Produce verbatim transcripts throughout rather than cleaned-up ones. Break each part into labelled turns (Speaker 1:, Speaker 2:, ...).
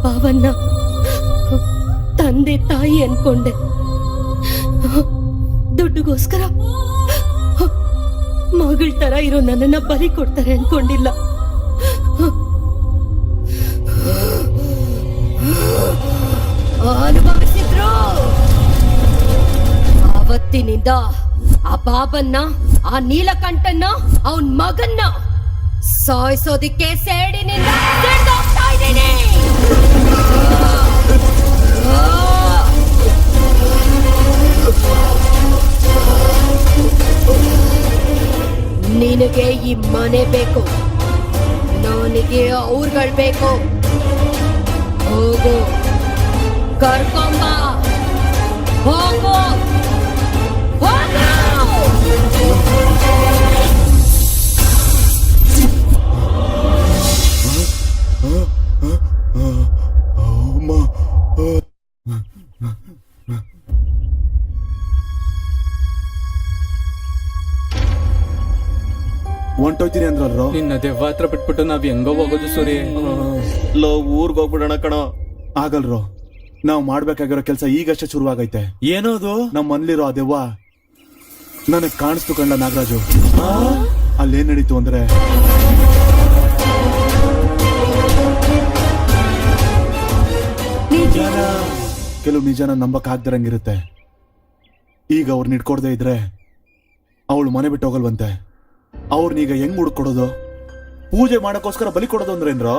Speaker 1: ಭಾವನ್ನ ತಂದೆ ತಾಯಿ ಅನ್ಕೊಂಡೆ. ದುಡ್ಡುಗೋಸ್ಕರ ಮಗಳ ತರ ಇರೋ ನನ್ನನ್ನ ಬಲಿ ಕೊಡ್ತಾರೆ ಅನ್ಕೊಂಡಿಲ್ಲ. ಅನುಭವಿಸಿದ್ರು. ಆವತ್ತಿನಿಂದ ಆ ಬಾಬನ್ನ, ಆ ನೀಲಕಂಠನ್ನ, ಅವನ್ ಮಗನ್ನ ಸಾಯಿಸೋದಿಕ್ಕೆ ಸೇಡಿನಿಂದ ಹಿಡ್ದೋಗ್ತಾ ಇದ್ದೀನಿ. ನಿನಗೆ ಈ ಮನೆ ಬೇಕು, ನನಗೆ ಅವ್ರುಗಳು ಬೇಕು. ಹೋಗು, ಕರ್ಕೊಂಬ, ಹೋಗು,
Speaker 2: ಹೊಂಟೋಯ್ತೀನಿ ಅಂದ್ರಲ್ರೋ.
Speaker 3: ನಿನ್ನ ದೆವ್ವ ಹತ್ರ ಬಿಟ್ಬಿಟ್ಟು ನಾವ್ ಹೆಂಗೋ ಹೋಗೋದು ಸೂರಿ?
Speaker 2: ಲೋ ಊರ್ಗ್ ಹೋಗ್ಬಿಡೋಣ ಕಣೋ. ಆಗಲ್ರೋ, ನಾವ್ ಮಾಡ್ಬೇಕಾಗಿರೋ ಕೆಲ್ಸ ಈಗಷ್ಟೇ ಶುರುವಾಗೈತೆ. ಏನೋದು? ನಮ್ ಮನ್ಲಿರೋ ಆ ದೆವ್ವ ನನಗ್ ಕಾಣಿಸ್ತು ಕಂಡ ನಾಗರಾಜು. ಅಲ್ಲೇನ್ ನಡೀತು ಅಂದ್ರೆ, ನಿಜಾನ ಕೆಲವು ನಿಜಾನ ನಂಬಕ್ ಆಗ್ದಿರಂಗಿರುತ್ತೆ. ಈಗ ಅವ್ರನ್ನ ಇಟ್ಕೊಡ್ದೆ ಇದ್ರೆ ಅವಳು ಮನೆ ಬಿಟ್ಟು ಹೋಗಲ್ವಂತೆ. ಅವ್ರನ್ನೀಗ ಹೆಂಗ್ ಹುಡ್ಕೊಡೋದು? ಪೂಜೆ ಮಾಡಕ್ಕೋಸ್ಕರ ಬಲಿ ಕೊಡೋದು ಅಂದ್ರೇನ್ರೋ?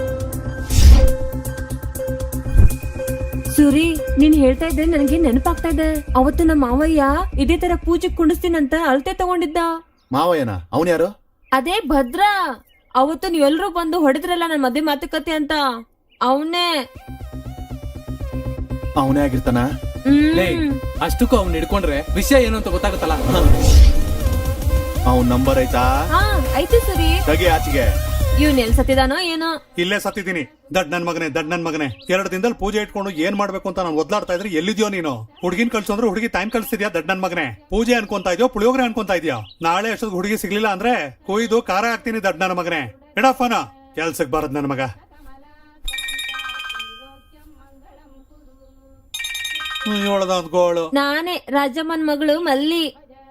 Speaker 4: ಸೂರಿ, ನೀನ್ ಹೇಳ್ತಾ ಇದ್ರೆ ನನಗೆ ನೆನಪಾಗ್ತಾ ಇದೆ. ಅವತ್ತು ನಮ್ಮ ಮಾವಯ್ಯ ಇದೇ ತರ ಪೂಜೆ ಕುಂಡಿಸ್ತೀನಂತ ಅಳತೆ ತಗೊಂಡಿದ್ದ.
Speaker 2: ಮಾವಯ್ಯನ? ಅವನ್ ಯಾರು?
Speaker 4: ಅದೇ ಭದ್ರ. ಅವತ್ತು ನೀವೆಲ್ರೂ ಬಂದು ಹೊಡೆದ್ರಲ್ಲ ನನ್ ಮದ್ವೆ ಮಾತುಕತೆ ಅಂತ, ಅವನೇ.
Speaker 2: ಅವನೇ ಆಗಿರ್ತಾನ?
Speaker 3: ಅಷ್ಟಕ್ಕೂ ಅವ್ನ್ ಹಿಡ್ಕೊಂಡ್ರೆ ವಿಷಯ ಏನು ಅಂತ ಗೊತ್ತಾಗತ್ತಲ್ಲ.
Speaker 2: ಅವನ್ ನಂಬರ್ ಐತಾ?
Speaker 4: ಹಾ ಐತೆ ಸೂರಿ.
Speaker 2: ತೆಗಿ ಆಚೆಗೆ.
Speaker 4: ಇವ್ನ ಎಲ್ ಸತ್ತಿದಾನೋ ಏನೋ.
Speaker 5: ಇಲ್ಲೇ ಸತ್ತಿದ್ದೀನಿ. ದಡ್ ನನ್ ಮಗನೆ, ದಡ್ ನನ್ ಮಗನೆ. ಎರಡು ದಿನದಲ್ಲಿ ಪೂಜೆ ಇಟ್ಕೊಂಡು ಏನ್ ಮಾಡ್ಬೇಕು ಅಂತ ನಾನು ಒದ್ಲಾಡ್ತಾ ಇದ್ರೆ ಎಲ್ಲಿದ್ಯೋ ನೀನು? ಹುಡುಗಿನ ಕಳ್ಸಂದ್ರೆ ಹುಡುಗಿ ಟೈಮ್ ಕಳ್ಸಿದ್ಯಾ? ದಡ್ ನನ್ ಮಗನೆ. ಪೂಜೆ ಅನ್ಕೊಂತಾ ಇದೆಯೋ ಪುಳಿಯೋಗ್ರೆ ಅನ್ಕೊಂತಾ ಇದೆಯಾ? ನಾಳೆ ಅಷ್ಟೊಂದು ಹುಡುಗಿ ಸಿಗ್ಲಿಲ್ಲ ಅಂದ್ರೆ ಕೊಯ್ದು ಖಾರ ಹಾಕ್ತೀನಿ. ದಡ್ ನನ್ನ ಮಗನೆ. ಎಡಫನ ಕೆಲ್ಸಕ್ ಬಾರದ್ ನನ್ ಮಗ. ಗೋಳು
Speaker 4: ನಾನೇ ರಾಜಮ್ಮನ್ ಮಗಳು ಮಲ್ಲಿ.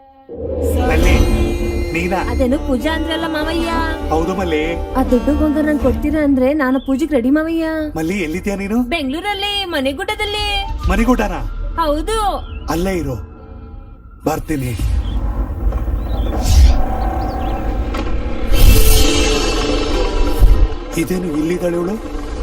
Speaker 5: ನೀನಾ?
Speaker 4: ಅದೇನು ಪೂಜಾ ಅಂದ್ರಲ್ಲ ಮಾವಯ್ಯ?
Speaker 5: ಹೌದು ಮಲ್ಲಿ.
Speaker 4: ಆ ದುಡ್ಡು ಗೊಂಗ ನಂಗೆ ಕೊಡ್ತೀರಾ ಅಂದ್ರೆ ನಾನು ಪೂಜೆಗೆ ರೆಡಿ ಮಾವಯ್ಯ.
Speaker 5: ಮಲ್ಲಿ ಎಲ್ಲಿದ್ಯಾ ನೀನು?
Speaker 4: ಬೆಂಗಳೂರಲ್ಲಿ ಮನೆಗುಡ್ಡದಲ್ಲಿ.
Speaker 5: ಮನೆಗೂಟನ?
Speaker 4: ಹೌದು.
Speaker 5: ಅಲ್ಲೇ ಇರು, ಬರ್ತೀನಿ. ಇದೇನು ಇಲ್ಲಿದ್ದಾಳೆ ಇವಳು?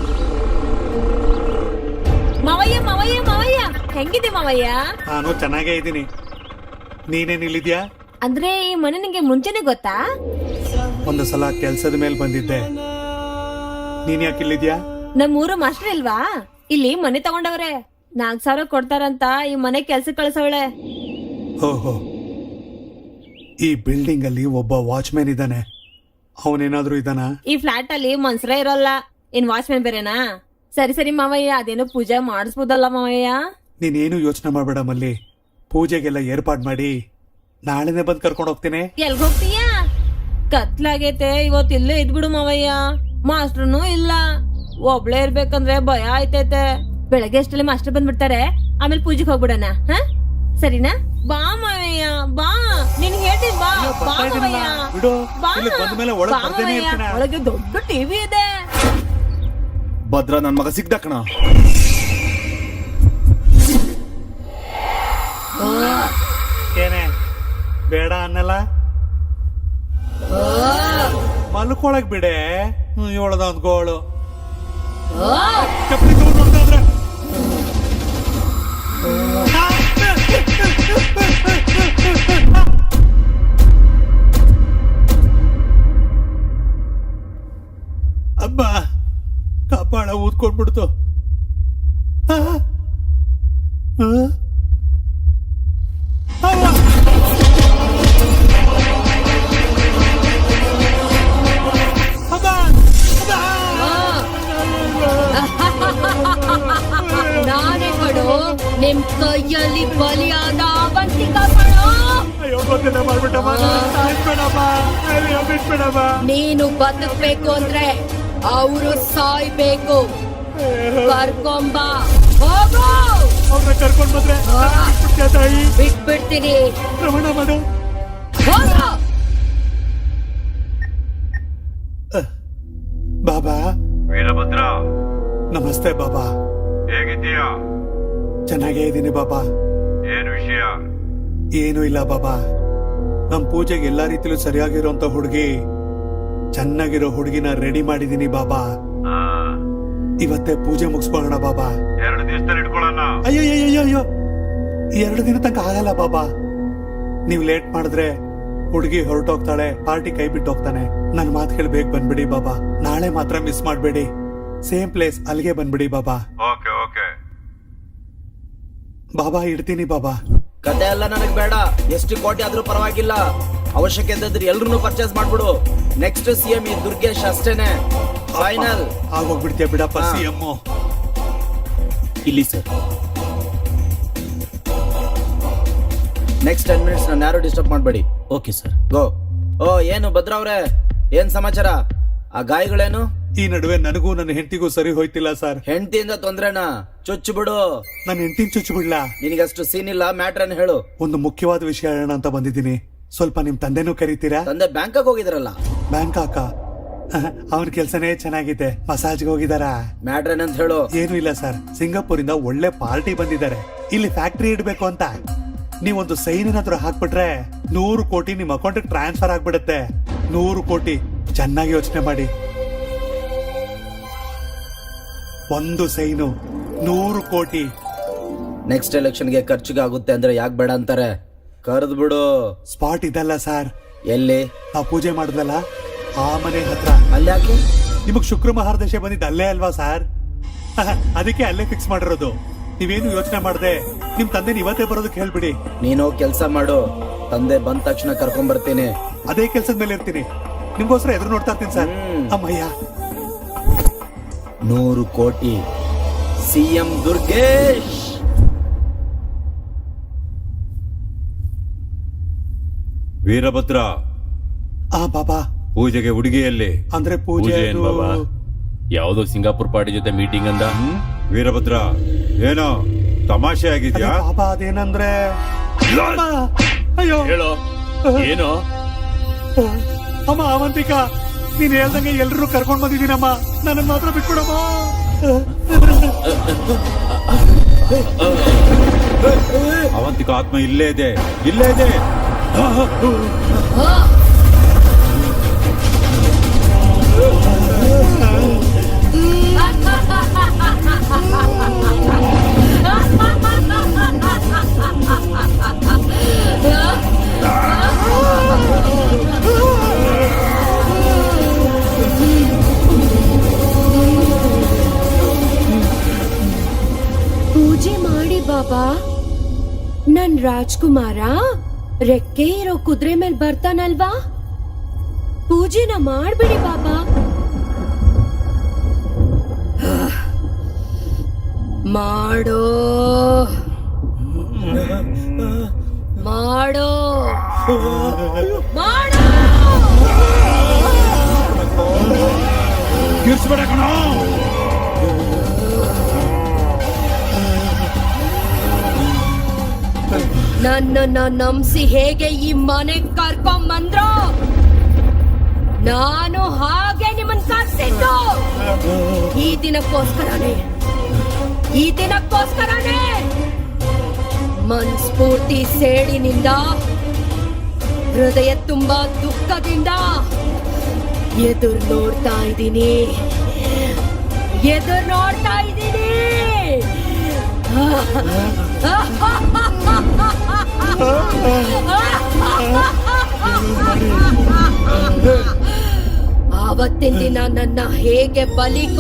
Speaker 4: ಮಾವಯ್ಯ ಮಾವಯ್ಯ ಮಾವಯ್ಯ ಹೆಂಗಿದೆ ಮಾವಯ್ಯ?
Speaker 5: ನಾನು ಚೆನ್ನಾಗೇ ಇದ್ದೀನಿ. ನೀನೇನ್ ಇಲ್ಲಿದ್ಯಾ?
Speaker 4: ಅಂದ್ರೆ ಈ ಮನೆ ನಿಂಗೆ ಮುಂಚೆನೆ ಗೊತ್ತಾ?
Speaker 5: ಒಂದು ಸಲ ಕೆಲ್ಸದ ಮೇಲೆ ಬಂದಿದ್ದೆ. ನೀನ್ ಯಾಕೆ ಇಲ್ಲಿದ್ಯಾ?
Speaker 4: ನಮ್ಮೂರು ಮಾಸ್ಟರ್ ಇಲ್ವಾ? ಇಲ್ಲಿ ಮನೆ ತಗೊಂಡವ್ರೆ. ನಾಲ್ಕ್ ಸಾವಿರ ಕೊಡ್ತಾರಂತ ಈ ಮನೆ ಕೆಲ್ಸ ಕಳ್ಸವಳೆ.
Speaker 5: ಓಹೋ, ಈ ಬಿಲ್ಡಿಂಗ್ ಅಲ್ಲಿ ಒಬ್ಬ ವಾಚ್ಮ್ಯಾನ್ ಇದ್ದಾನೆ. ಅವನೇನಾದ್ರೂ ಇದ್ದಾನ?
Speaker 4: ಈ ಫ್ಲಾಟ್ ಅಲ್ಲಿ ಮನ್ಸರೇ ಇರಲ್ಲ, ಇನ್ ವಾಚ್ಮ್ಯಾನ್ ಬೇರೆನಾ? ಸರಿ ಸರಿ ಮಾವಯ್ಯ, ಅದೇನೋ ಪೂಜೆ ಮಾಡಿಸ್ಬೋದಲ್ಲ ಮಾವಯ್ಯ?
Speaker 5: ನೀನೇನು ಯೋಚನೆ ಮಾಡ್ಬೇಡ ಮಲ್ಲಿ. ಪೂಜೆಗೆಲ್ಲ ಏರ್ಪಾಡ್ ಮಾಡಿ ನಾಳೆನೆ ಬಂದ್ ಕರ್ಕೊಂಡ್ ಹೋಗ್ತೀನಿ.
Speaker 4: ಎಲ್ಗ್ ಹೋಗ್ತೀಯಾ? ಕತ್ಲಾಗೈತೆ, ಇವತ್ ಇಲ್ಲೇ ಇದ್ಬಿಡು ಮಾವಯ್ಯ. ಮಾಸ್ಟ್ರನು ಇಲ್ಲ, ಒಬ್ಳೇ ಇರ್ಬೇಕಂದ್ರೆ ಭಯ ಆಯ್ತೈತೆ. ಬೆಳಗ್ಗೆ ಅಷ್ಟಲ್ಲಿ ಮಾಸ್ಟರ್ ಬಂದ್ಬಿಡ್ತಾರೆ, ಆಮೇಲೆ ಪೂಜೆಗೆ ಹೋಗ್ಬಿಡಣ. ಹ ಸರಿನಾ? ಬಾ ಮಾವಯ್ಯ ಬಾ, ನಿನ್ ಹೇಳ್ತೀನಿ ಬಾ. ಬಾ ಮಾವಯ್ಯ ಬಾ. ಬಾ ಮಾವಯ್ಯ, ಒಳಗೆ ದೊಡ್ಡ ಟಿವಿ ಇದೆ.
Speaker 2: ಭದ್ರ ನನ್ ಮಗ ಸಿಗ್ದ ಕಣ.
Speaker 5: ಏನೇ ಬೇಡ ಅನ್ನಲ್ಲ? ಮಲ್ಕೊಳಕ್ ಬಿಡೆ. ಏಳದ ಒಂದ್ ಗೋಳು. ಚಪ್ಪಲಿ ತಗೊಂಡ್ ನೋಡ್ತಾದ್ರೆ ಅಬ್ಬ ಕಪಾಳ ಊದ್ಕೊಂಡ್ಬಿಡ್ತು.
Speaker 1: ನಾನೇ ಕಣೋ ನಿಮ್ ಕೈಯಲ್ಲಿ ಬಲಿಯಾದ ಅವಂತಿಕ ಕಣೋ. ನೀನು ಬದುಕ್ಬೇಕು ಅಂದ್ರೆ ಅವರು ಸಾಯ್ಬೇಕು. ಕರ್ಕೊಂಬ ಹೋಗು
Speaker 5: ಅವ್ರನ್ನ ಕರ್ಕೊಂಡ್ ಬಂದ್ರೆ ನಾನ್ ಬಿಟ್ಬಿಡ್ತೀಯ ತಾಯಿ.
Speaker 1: ಬಿಟ್ಬಿಡ್ತೀನಿ
Speaker 5: ಪ್ರಮಾಣ ಮಾಡು.
Speaker 1: ಹೋಗು
Speaker 5: ಬಾಬಾ
Speaker 6: ವೀರಭದ್ರ,
Speaker 5: ನಮಸ್ತೆ ಬಾಬಾ.
Speaker 6: ಹೇಗಿದ್ದೀಯಾ?
Speaker 5: ಚೆನ್ನಾಗೇ ಇದ್ದೀನಿ ಬಾಬಾ.
Speaker 6: ಏನ್ ವಿಷಯ?
Speaker 5: ಏನು ಇಲ್ಲ ಬಾಬಾ, ನಮ್ ಪೂಜೆಗೆ ಎಲ್ಲಾ ರೀತಿಲೂ ಸರಿಯಾಗಿರೋಂತ ಹುಡುಗಿ, ಚೆನ್ನಾಗಿರೋ ಹುಡುಗಿನ ರೆಡಿ ಮಾಡಿದೀನಿ ಬಾಬಾ.
Speaker 6: ಆ,
Speaker 5: ಇವತ್ತೇ ಪೂಜೆ ಮುಗಿಸ್ಕೊಳ್ಳೋಣ ಬಾಬಾ.
Speaker 6: ಎರಡು ದಿವಸದಲ್ಲಿ ಇಟ್ಕೊಳ್ಳೋಣ.
Speaker 5: ಅಯ್ಯೋ ಅಯ್ಯೋ ಅಯ್ಯೋ ಅಯ್ಯೋ ಎರಡು ದಿನ ತನಕ ಆಗಲ್ಲ ಬಾಬಾ. ನೀವ್ ಲೇಟ್ ಮಾಡಿದ್ರೆ ಹುಡುಗಿ ಹೊರಟೋಗ್ತಾಳೆ, ಪಾರ್ಟಿ ಕೈ ಬಿಟ್ಟು ಹೋಗ್ತಾನೆ. ನನ್ ಮಾತು ಕೇಳಿ ಬೇಗ ಬಂದ್ಬಿಡಿ ಬಾಬಾ. ನಾಳೆ ಮಾತ್ರ ಮಿಸ್ ಮಾಡ್ಬೇಡಿ. ಸೇಮ್ ಪ್ಲೇಸ್ ಅಲ್ಲಿಗೆ ಬಂದ್ಬಿಡಿ ಬಾಬಾ.
Speaker 6: Okay okay.
Speaker 5: ಬಾಬಾ ಇಡ್ತೀನಿ ಬಾಬಾ.
Speaker 7: ಕತೆ ಎಲ್ಲ ನನಗ್ ಬೇಡ. ಎಷ್ಟು ಕೋಟಿ ಆದ್ರೂ ಪರವಾಗಿಲ್ಲ. ಅವಶ್ಯಕತೆ ಇದ್ರೆ ಎಲ್ರು ಪರ್ಚೇಸ್ ಮಾಡ್ಬಿಡು. ನೆಕ್ಸ್ಟ್ ಸಿ ಎಂ ಈ ದುರ್ಗೇಶ್ ಅಷ್ಟೇನೆ. ಫೈನಲ್.
Speaker 5: ಆಗೋಗ್ಬಿಡ್ತೀಯ ಬಿಡಪ್ಪ
Speaker 7: ಹಾ.
Speaker 5: C M.
Speaker 2: ಇಲ್ಲಿ ಸರ್.
Speaker 7: ನೆಕ್ಸ್ಟ್ ಟೆನ್ ಮಿನಿಟ್ಸ್ ನಾನು ಯಾರು ಡಿಸ್ಟರ್ಬ್ ಮಾಡಬೇಡಿ.
Speaker 2: Okay sir.
Speaker 7: ಗೋ. ಓ ಏನು ಭದ್ರ ಅವ್ರೆ, ಏನ್ ಸಮಾಚಾರ? ಆ ಗಾಯಗಳೇನು?
Speaker 5: ಈ ನಡುವೆ ನನಗೂ ನನ್ನ ಹೆಂಡತಿಗೂ ಸರಿ ಹೋಯ್ತಿಲ್ಲ ಸರ್.
Speaker 7: ಹೆಂಡತಿಯಿಂದ ತೊಂದ್ರೆನಾ? ಚುಚ್ಚು ಬಿಡು.
Speaker 5: ನನ್ನ ಹೆಂಡತಿನ ಚುಚ್ಚು ಬಿಡ್ಲಾ?
Speaker 7: ನಿನಗಷ್ಟು ಸೀನ್ ಇಲ್ಲ. ಮ್ಯಾಟ್ರನ್ ಹೇಳು.
Speaker 5: ಒಂದು ಮುಖ್ಯವಾದ ವಿಷಯ ಹೇಳೋಣ ಅಂತ ಬಂದಿದ್ದೀನಿ. ಸ್ವಲ್ಪ ನಿಮ್ ತಂದೆನೂ ಕರೀತೀರಾ?
Speaker 7: ತಂದೆ ಬ್ಯಾಂಕಾಕ್ ಹೋಗಿದ್ರಲ್ಲ.
Speaker 5: ಬ್ಯಾಂಕಾಕ? ಅವನ ಕೆಲ್ಸನೇ ಚೆನ್ನಾಗಿದೆ. ಮಸಾಜ್ಗೆ ಹೋಗಿದಾರ?
Speaker 7: ಮ್ಯಾಟ್ರನ್ ಅಂತ ಹೇಳು.
Speaker 5: ಏನು ಇಲ್ಲ ಸರ್, ಸಿಂಗಾಪುರ್ ಇಂದ ಒಳ್ಳೆ ಪಾರ್ಟಿ ಬಂದಿದ್ದಾರೆ. ಇಲ್ಲಿ ಫ್ಯಾಕ್ಟ್ರಿ ಇಡ್ಬೇಕು ಅಂತ. ನೀವೊಂದು ಸೈನ್ ಏನಾದ್ರು ಹಾಕ್ಬಿಟ್ರೆ ನೂರು ಕೋಟಿ ನಿಮ್ ಅಕೌಂಟ್ ಟ್ರಾನ್ಸ್ಫರ್ ಆಗ್ಬಿಡುತ್ತೆ. ನೂರು ಕೋಟಿ. ಚೆನ್ನಾಗಿ ಯೋಚನೆ ಮಾಡಿ. ಒಂದು ಸೈನು ನೂರು ಕೋಟಿ.
Speaker 7: ನೆಕ್ಸ್ಟ್ ಎಲೆಕ್ಷನ್ಗೆ ಖರ್ಚಿಗೆ ಆಗುತ್ತೆ ಅಂದ್ರೆ ಯಾಕೆ ಬೇಡ ಅಂತಾರೆ? ಕರೆದ್ ಬಿಡು.
Speaker 5: ಸ್ಪಾಟ್ ಇದಲ್ಲ ಸರ್,
Speaker 7: ಎಲ್ಲಿ?
Speaker 5: ನಾವು ಪೂಜೆ ಮಾಡಿದ್ವಲ್ಲ ಆ ಮನೆ ಹತ್ರ.
Speaker 7: ಅಲ್ಲಿ ಯಾಕೆ?
Speaker 5: ನಿಮಗ್ ಶುಕ್ರ ಮಹಾರದಶೆ ಬಂದಿದ್ದು ಅಲ್ಲೇ ಅಲ್ವಾ ಸರ್? ಅದಕ್ಕೆ ಅಲ್ಲೇ ಫಿಕ್ಸ್ ಮಾಡಿರೋದು. ನೀವೇನು ಯೋಚನೆ ಮಾಡದೆ ನಿಮ್ ತಂದೆ ಇವತ್ತೇ ಬರೋದಕ್ಕೆ ಹೇಳ್ಬಿಡಿ.
Speaker 7: ನೀನು ಕೆಲ್ಸ ಮಾಡು. ತಂದೆ ಬಂದ ತಕ್ಷಣ ಕರ್ಕೊಂಡ್ ಬರ್ತೀನಿ.
Speaker 5: ಅದೇ ಕೆಲ್ಸದ ಮೇಲೆ ಇರ್ತೀನಿ. ನಿಮ್ಗೋಸ್ಕರ ಎದುರು ನೋಡ್ತಾ ಇರ್ತೀನಿ ಸರ್.
Speaker 7: ಹ್ಮ್.
Speaker 5: ಅಮ್ಮಯ್ಯ.
Speaker 7: ನೂರು ಕೋಟಿ. ಸಿಎಂ ದುರ್ಗೇಶ್.
Speaker 6: ವೀರಭದ್ರ,
Speaker 5: ಆ ಬಾಬಾ,
Speaker 6: ಪೂಜೆಗೆ ಹುಡುಗಿಯಲ್ಲಿ.
Speaker 5: ಅಂದ್ರೆ ಪೂಜೆ
Speaker 8: ಪೂಜೆ ಏನ್
Speaker 5: ಅದು-
Speaker 8: ಬಾಬಾ? ಯಾವ್ದೋ ಸಿಂಗಾಪುರ್ ಪಾರ್ಟಿ ಜೊತೆ ಮೀಟಿಂಗ್ ಅಂದ.
Speaker 6: ವೀರಭದ್ರ, ಏನೋ ತಮಾಷೆ
Speaker 5: ಅದೇ
Speaker 6: ಆಗಿದ್ಯಾ?
Speaker 5: ಬಾಬಾ ಅದೇನಂದ್ರೆ ಅಮ್ಮ! ಅಯ್ಯೋ
Speaker 8: ಹೇಳೋ ಏನೋ.
Speaker 5: ಅಮ್ಮ ಅವಂತಿಕಾ, ನೀನ್ ಹೇಳ್ದಂಗೆ ಎಲ್ರು ಕರ್ಕೊಂಡ್ ಬಂದಿದ್ದೀನಮ್ಮ. ನನ್ನ ಮಾತ್ರ ಬಿಟ್ಕೊಡಮ್ಮ.
Speaker 6: ಅವಂತಿಕ ಆತ್ಮ ಇಲ್ಲೇ ಇದೆ, ಇಲ್ಲೇ ಇದೆ.
Speaker 1: ಪೂಜೆ ಮಾಡಿ ಬಾಬಾ. ನನ್ ರಾಜ್ಕುಮಾರ ರೆಕ್ಕೆ ಇರೋ ಕುದುರೆ ಮೇಲೆ ಬರ್ತಾನಲ್ವಾ, ಪೂಜೆನ ಮಾಡ್ಬಿಡಿ ಬಾಬಾ. ಮಾಡೋ ಮಾಡೋ ಮಾಡೋ.
Speaker 6: ಕಿರ್ಸ್ಬೇಡ ಕಣೋ.
Speaker 1: ನನ್ನನ್ನ ನಂಬಿಸಿ ಹೇಗೆ ಈ ಮನೆಗ್ ಕರ್ಕೊಂಡ್ ಬಂದ್ರು, ನಾನು ಹಾಗೆ ನಿಮ್ಮನ್ ಕರ್ಸಿದ್ದು ಈ ದಿನಕ್ಕೋಸ್ಕರನೇ. ಈ ದಿನಕ್ಕೋಸ್ಕರನೇ ಮನ್ಸ್ಫೂರ್ತಿ ಸೇಡಿನಿಂದ, ಹೃದಯ ತುಂಬಾ ದುಃಖದಿಂದ ಎದುರು ನೋಡ್ತಾ ಇದ್ದೀನಿ, ಎದುರು ನೋಡ್ತಾ ಇದ್ದೀನಿ. ಆವತ್ತಿನ ದಿನ ನನ್ನ ಹೇಗೆ ಬಲಿ